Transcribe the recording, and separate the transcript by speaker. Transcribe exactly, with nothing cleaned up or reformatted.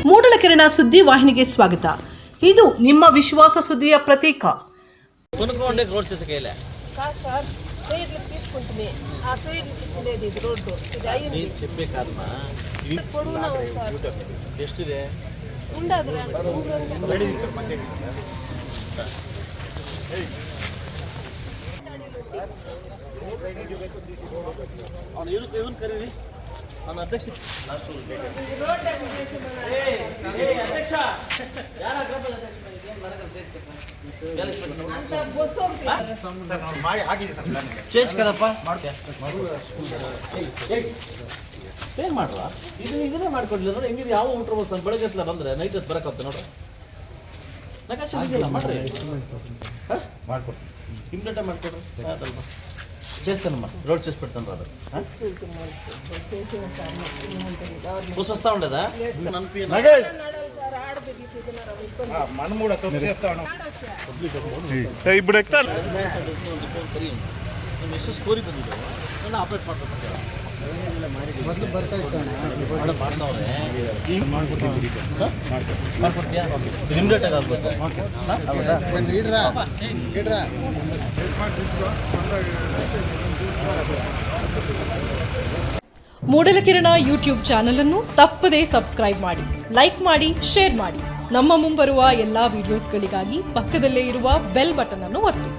Speaker 1: ಮೂಡಲಕೆರೆನ ಸುದ್ದಿ ವಾಹಿನಿಗೆ ಸ್ವಾಗತ. ಇದು ನಿಮ್ಮ ವಿಶ್ವಾಸ ಸುದ್ದಿಯ ಪ್ರತೀಕ.
Speaker 2: ಚೇಂಜ್ ಕದಪ್ಪ ಚೇಂಜ್ ಮಾಡ್ರ ಇದು ಇದನ್ನೇ ಮಾಡ್ಕೊಡ್ಲಿಲ್ಲ ಅಂದ್ರೆ ಹೆಂಗಿದೆ ಯಾವ ಊಟ ಬಸ್ ಬೆಳಗ್ಗೆ ಹತ್ತಲ ಬಂದ್ರೆ ನೈಟ್ ಹೊತ್ತು ಬರಕತ್ತೆ ನೋಡ್ರಿ ನಕಾಶೆ ಇದೆಯಲ್ಲ ಮಾಡ್ರಿ ಮಾಡ್ಕೊಡ್ರಿ ಇಮ್ಡಿಯೇಟ್ ಮಾಡ್ಕೊಡ್ರಿ ಅದಲ್ವಾ చేస్తానమ్మా రోడ్ చేసి పెడతాను రాదు బుస్ వస్తా ఉండదా మనం కూడా ఇప్పుడు ఎక్కుతాను ಮೆಸೇಜ್ ಕೋರಿ ಬಂದಿದ್ದಾವೆ ನಾನು ಆಪ್ರೇಟ್ ಮಾಡ್ತಾರೆ ಮೊದಲು ಬರ್ತಾ ಇದ್ದಾನೆ ಮಾಡ್ತಾವ್ರೆ ಈಗ ಮಾಡ್ಕೊಡ್ತೀನಿ ಮಾಡ್ಕೊಡ್ತೀಯಾ ಇಮಿಡಿಯೇಟ್ ಆಗಿ ಆಗ್ಬೋದು ಇಡ್ರಾ ಇಡ್ರಾ
Speaker 3: ಮೂಡಲಕಿರಣ ಯೂಟ್ಯೂಬ್ ಚಾನಲ್ ಅನ್ನು ತಪ್ಪದೇ ಸಬ್ಸ್ಕ್ರೈಬ್ ಮಾಡಿ, ಲೈಕ್ ಮಾಡಿ, ಶೇರ್ ಮಾಡಿ. ನಮ್ಮ ಮುಂಬರುವ ಎಲ್ಲಾ ವಿಡಿಯೋಸ್ಗಳಿಗಾಗಿ ಪಕ್ಕದಲ್ಲೇ ಇರುವ ಬೆಲ್ ಬಟನ್ ಅನ್ನು ಒತ್ತಿ.